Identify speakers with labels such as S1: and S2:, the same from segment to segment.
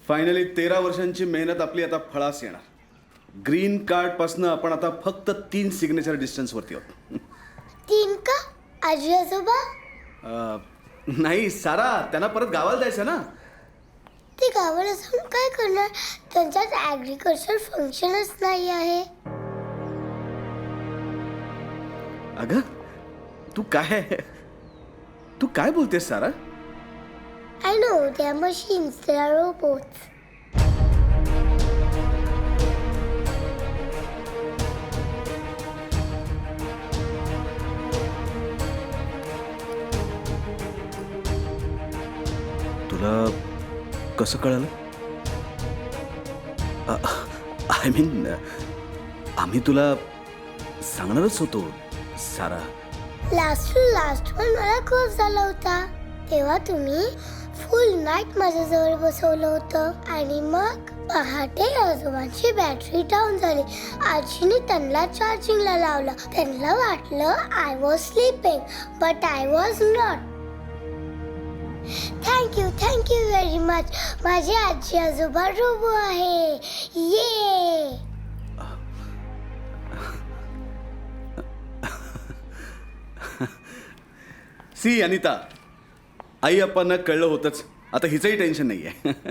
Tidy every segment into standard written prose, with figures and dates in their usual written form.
S1: Finally 13 वर्षांची मेहनत आपली आता फळास येणार. ग्रीन कार्ड पासनं आपण आता फक्त 3 सिग्नेचर डिस्टन्स वरती आहोत.
S2: 3 का? आजी आजोबा?
S1: नाही सारा, त्यांना परत गावाला जायचं ना.
S2: ते गावाला जाऊन काय करणार? त्यांच्यात ॲग्रिकल्चर फंक्शनच नाही आहे.
S1: अगं तू काय बोलतेस सारा?
S2: I know, they are machines, they are robots.
S1: तुला कसं कळालं? आय मीन आम्ही तुला सांगणारच होतो सारा.
S2: लास्ट पण मला खूप झाला होता. तेव्हा तुम्ही फुल नाईट माझ्याजवळ बसवलं होतं आणि मग पहाटे आजोबांची बॅटरी डाऊन झाली. आजीने त्यांना चार्जिंगला लावलं. त्यांना वाटलं I was sleeping but I was not. Thank you very much. माझे आजी आजोबा रोबो आहे. ये
S1: सी अनिता, आई अप्पांना कळलं होतंच. आता हिचंही टेन्शन नाहीये.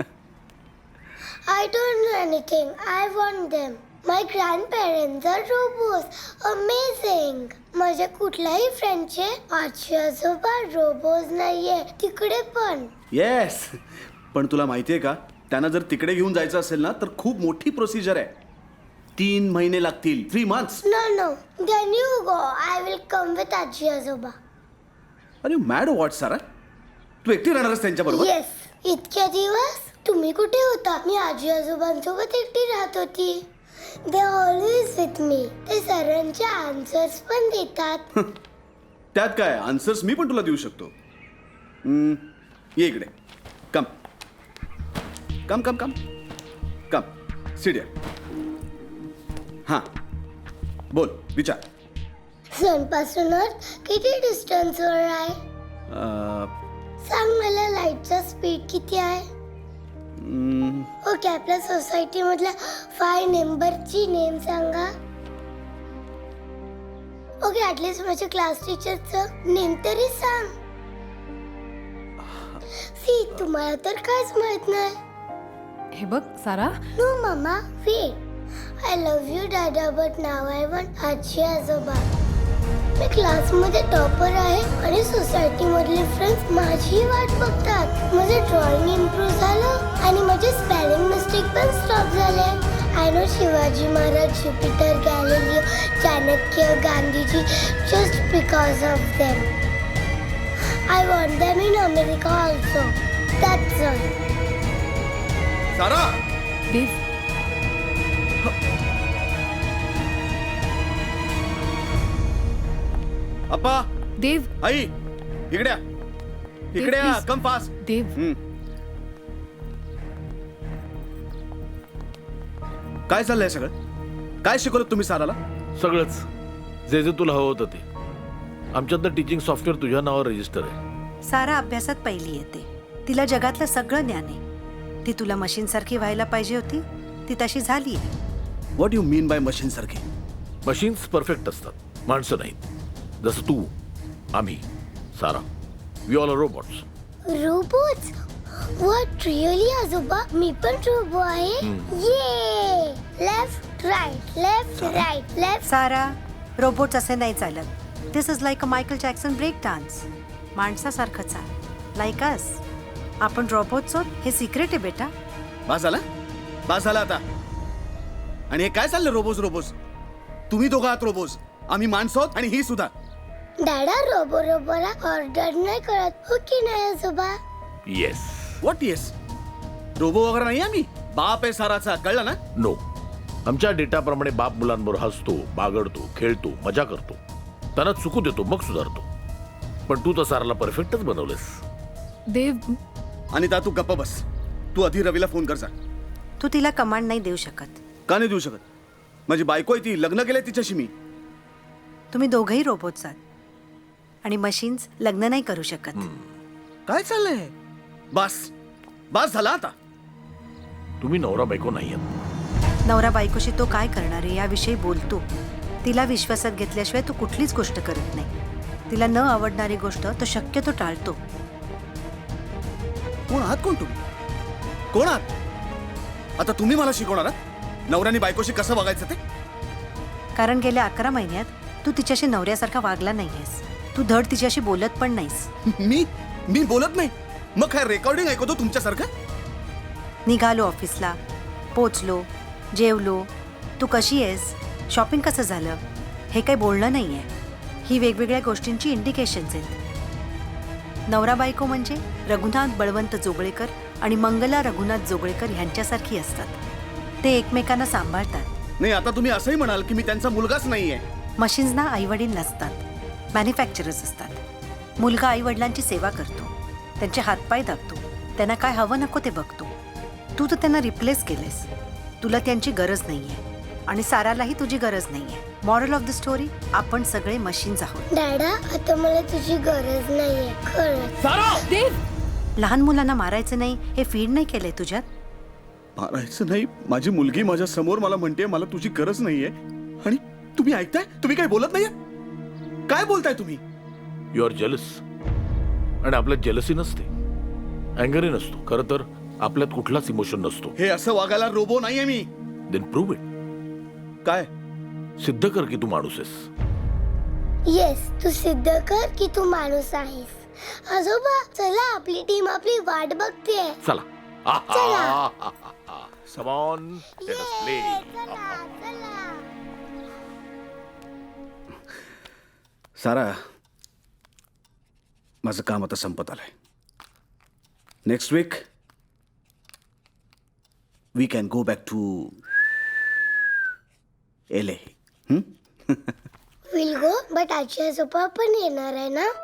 S2: I don't know anything. I want them. My grandparents are robots. Amazing. माझ्या कुठल्याही फ्रेंडचे आजी आजोबा रोबोज नाहीये तिकडे पण.
S1: येस, पण तुला माहितीये का, त्यांना जर तिकडे घेऊन जायचं असेल ना तर खूप मोठी प्रोसिजर आहे. 3 महिने लागतील. 3 months.
S2: No. Then you go. I will come with आजी आजोबा.
S1: अरे मॅड व्हॉट सारा, तू एकटी राहणारच त्यांच्या बरोबर?
S2: Yes. इतक्या दिवस तुम्ही कुठे होता? मी आजी आजोबांसोबत एकटी राहत होती. They always with me. ते सरांचे आन्सर्स पण देतात.
S1: त्यात काय, आन्सर्स मी पण तुला देऊ शकतो. ये इकडे. कम सिडिया. हां बोल, विचार.
S2: सनपासूनच किती डिस्टन्सवर आहे? सांग मला. लाईटचा स्पीड किती आहे? ओके, आपल्या सोसायटी मधल्या 5 नंबरची नेम सांगा. ओके, ऍटलीस्ट माझ्या क्लास टीचरचं नेम तरी सांग. सी, तुम्हाला तर काहीच माहित नाही.
S3: हे बघ सारा,
S2: नो मामा, वेट. आय लव्ह यू दादा, बट नाव आय वॉन्ट आजी आजोबा. मी क्लासमध्ये टॉपर आहे आणि सोसायटी मधले फ्रेंड्स माझी वाट बघतात. माझं ड्रॉइंग इम्प्रूव्ह झालं आणि माझे स्पेलिंग मिस्टेक पण स्टॉप झाले. I know Shivaji Maharaj, Jupiter, Galileo, Chanakya, Gandhiji, just because of them. I want them in America also. That's all.
S1: Sara,
S3: देव.
S1: अप्पा,
S3: देव.
S1: आई, इकडे या.
S3: please.
S1: Come fast.
S3: देव.
S1: काय चाललंय सगळं? काय शिकवलं तुम्ही साराला?
S4: सगळंच जे जे तुला हवं होतं ते. आमच्यातलं टीचिंग सॉफ्टवेअर तुझ्या नावावर रजिस्टर आहे.
S5: सारा अभ्यासात पहिली येते. तिला जगातलं सगळं ज्ञान आहे. ती तुला मशीन सारखी व्हायला पाहिजे होती, ती तशी झाली आहे.
S1: What you mean by machine सारखी?
S4: मशीन्स परफेक्ट असतात, माणसं नाहीत. जसं तू, आम्ही, Sara, we all are robots.
S2: Robots? What, really आजोबा? मी पण रोबो आहे. ये लेफ्ट राईट.
S5: सारा, रोबोट्स असे नाही चालत. This is like a Michael Jackson break dance. माणसासारखंच आहे, लाईक अस. आपण रोबोट्स आहोत हे सिक्रेट आहे बेटा.
S1: बास झाला आता. आणि हे काय चाललं रोबोज? तुम्ही दोघं आहात रोबोज, आम्ही माणसं आहोत आणि ही सुद्धा.
S2: दादा, रोबोला ऑर्डर नाही करत, हो की नाही आजोबा?
S4: येस.
S1: What yes? रोबो वगैरे नाही आम्ही. बाप आहे साराचा, कळलं ना?
S4: नो. आमच्या डेटाप्रमाणे बाप मुलांबरोबर हसतो, बागडतो, खेळतो, मजा करतो, त्यांना चुकू देतो, मग सुधारतो. पण तू तर साराला परफेक्टच बनवलंस.
S3: देव.
S1: अनिता, तू गप्प बस. तू आधी रवीला फोन कर जा.
S5: तू तिला कमांड नाही देऊ शकत.
S1: का नाही देऊ शकत? माझी बायको आहे ती, लग्न केलंय तिच्याशी मी.
S5: तुम्ही दोघंही रोबोट्स आहात आणि मशीन्स लग्न नाही करू शकत.
S1: काय चाललंय? बास झाला आता.
S4: तुम्ही नवरा बायको नाही आहात.
S5: नवरा बायकोशी तो काय करणार आहे याविषयी बोलतो. तिला विश्वासात घेतल्याशिवाय तो कुठलीच गोष्ट करत नाही. तिला न आवडणारी गोष्ट तो शक्यतो टाळतो.
S1: कोण आहात कोण तुम्ही? कोण आहात? आता तुम्ही मला शिकवणार आहात नवऱ्याने बायकोशी कसं वागायचं ते?
S5: कारण गेल्या 11 महिन्यात तू तिच्याशी नवऱ्यासारखा वागला नाहीयेस. तू धड तिच्याशी बोलत पण नाहीस.
S1: मी बोलत नाही. मग काय रेकॉर्डिंग ऐकतो तुमच्यासारखं?
S5: निघालो ऑफिसला, पोचलो, जेवलो, तू कशी आहेस, शॉपिंग कसं झालं, हे काही बोलणं नाही आहे. ही वेगवेगळ्या गोष्टींची इंडिकेशन्स आहेत. नवरा बायको म्हणजे रघुनाथ बळवंत जोगळेकर आणि मंगला रघुनाथ जोगळेकर ह्यांच्यासारखी असतात. ते एकमेकांना सांभाळतात.
S1: नाही, आता तुम्ही असंही म्हणाल की मी त्यांचा मुलगाच नाहीये.
S5: मशीन्सना आईवडील नसतात, मॅन्युफॅक्चरर्स असतात. मुलगा आईवडिलांची सेवा करतो, त्यांचे हातपाय दाबतो, त्यांना काय हवं नको ते बघतो. तू तर त्यांना रिप्लेस केलेस. तुला त्यांची गरज नाहीये आणि सारालाही तुझी गरज नाहीये. मॉरल ऑफ द स्टोरी, आपण सगळे मशीन्स आहोत.
S2: डॅडा, आता मला तुझी गरज नाहीये खरंच.
S3: देव,
S5: लहान मुलांना मारायचं नाही हे फीड नाही केलंय तुझ्यात?
S1: मारायचं नाही? माझी मुलगी माझ्या समोर मला म्हणते मला तुझी गरज नाहीये आणि तुम्ही ऐकताय? तुम्ही काही बोलत नाहीये? काय बोलताय तुम्ही?
S4: You are jealous. आणि आपल्यात जेलसी नसते, अँगरही नसतो. खरं तर आपल्यात कुठलाच इमोशन नसतो.
S1: हे असं वागायला रोबो नाहीये मी.
S4: Then prove it.
S1: काय?
S4: सिद्ध कर की तू माणूस आहेस.
S2: येस, तू सिद्ध कर की तू माणूस आहेस. आजोबा, चला, आपली टीम आपली वाट बघतेय.
S4: चला.
S2: चला.
S4: Come on, let us play.
S2: चला, चला.
S1: सारा, माझं काम आता संपत आलंय. Next week we can go back to LA.
S2: Will go, but आजी आजोबा पण येणार आहे ना?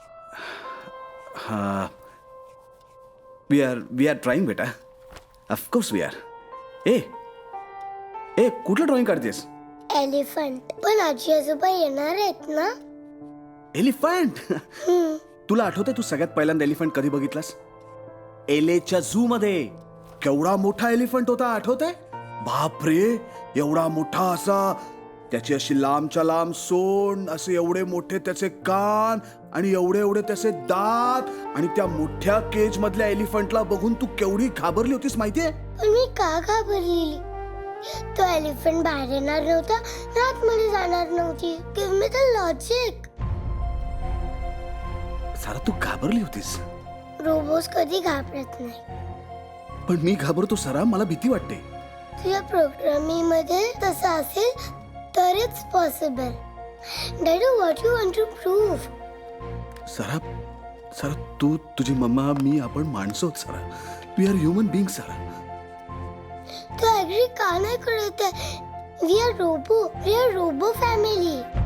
S1: वी आर ट्राईंग बेटा. Of course we are. ए कुठलं ड्रॉइंग काढतेस?
S2: एलिफंट. पण आजी आजोबा येणार आहेत ना?
S1: एलिफंट? तुला आठवतंय तू सगळ्यात पहिल्यांदा एलिफंट कधी बघितलास? एलेच्या झू मध्ये. केवढा मोठा एलिफंट होता, आठवतंय? बापरे, एवढा मोठा असा, त्याची अशी लांबच्या लांब सोंड, असे एवढे मोठे त्याचे कान आणि एवढे एवढे त्याचे दात. आणि त्या मोठ्या केज मधल्या एलिफंटला बघून तू केवढी घाबरली होतीस माहितीये?
S2: पण मी का घाबरलेली? तो एलिफंट बाहेर येणार नव्हता, आतमध्ये जाणार नव्हती. Give me the logic.
S1: Sara, तू घाबरली होतीस.
S2: रोबोस कधी घाबरत नाही.
S1: पण मी घाबरतो सारा, मला भीती वाटते.
S2: तुझ्या प्रोग्रामिंग मध्ये तसं असेल तरच पॉसिबल. डॅडू, what you want to prove?
S1: Sara, तू, तुझी मम्मा, मी, आपण माणसं आहोत Sara. We are human being Sara.
S2: तू ऍग्री का नाही करत आहे? We are robo family.